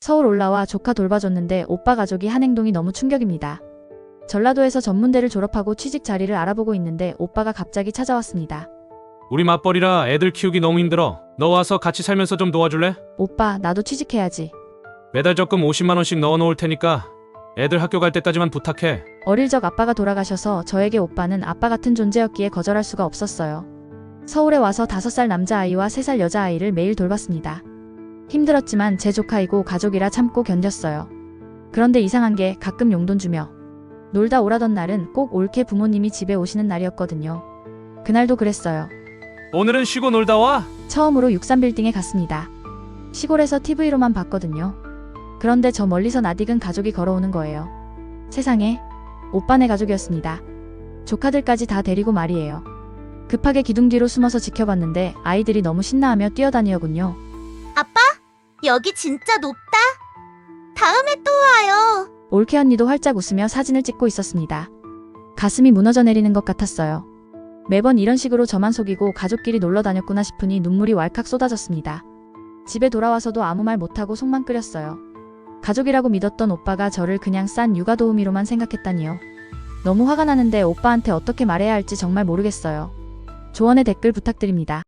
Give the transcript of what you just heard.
서울 올라와 조카 돌봐줬는데 오빠 가족이 한 행동이 너무 충격입니다. 전라도에서 전문대를 졸업하고 취직 자리를 알아보고 있는데 오빠가 갑자기 찾아왔습니다. 우리 맞벌이라 애들 키우기 너무 힘들어. 너 와서 같이 살면서 좀 도와줄래? 오빠, 나도 취직해야지. 매달 적금 50만 원씩 넣어놓을 테니까 애들 학교 갈 때까지만 부탁해. 어릴 적 아빠가 돌아가셔서 저에게 오빠는 아빠 같은 존재였기에 거절할 수가 없었어요. 서울에 와서 5살 남자아이와 3살 여자아이를 매일 돌봤습니다. 힘들었지만 제 조카이고 가족이라 참고 견뎠어요. 그런데 이상한 게 가끔 용돈 주며 놀다 오라던 날은 꼭 올케 부모님이 집에 오시는 날이었거든요. 그날도 그랬어요. 오늘은 쉬고 놀다 와. 처음으로 63빌딩에 갔습니다. 시골에서 TV로만 봤거든요. 그런데 저 멀리서 낯익은 가족이 걸어오는 거예요. 세상에, 오빠네 가족이었습니다. 조카들까지 다 데리고 말이에요. 급하게 기둥 뒤로 숨어서 지켜봤는데 아이들이 너무 신나하며 뛰어다니더군요. 아빠, 여기 진짜 높다. 다음에 또 와요. 올케 언니도 활짝 웃으며 사진을 찍고 있었습니다. 가슴이 무너져 내리는 것 같았어요. 매번 이런 식으로 저만 속이고 가족끼리 놀러 다녔구나 싶으니 눈물이 왈칵 쏟아졌습니다. 집에 돌아와서도 아무 말 못하고 속만 끓였어요. 가족이라고 믿었던 오빠가 저를 그냥 싼 육아도우미로만 생각했다니요. 너무 화가 나는데 오빠한테 어떻게 말해야 할지 정말 모르겠어요. 조언의 댓글 부탁드립니다.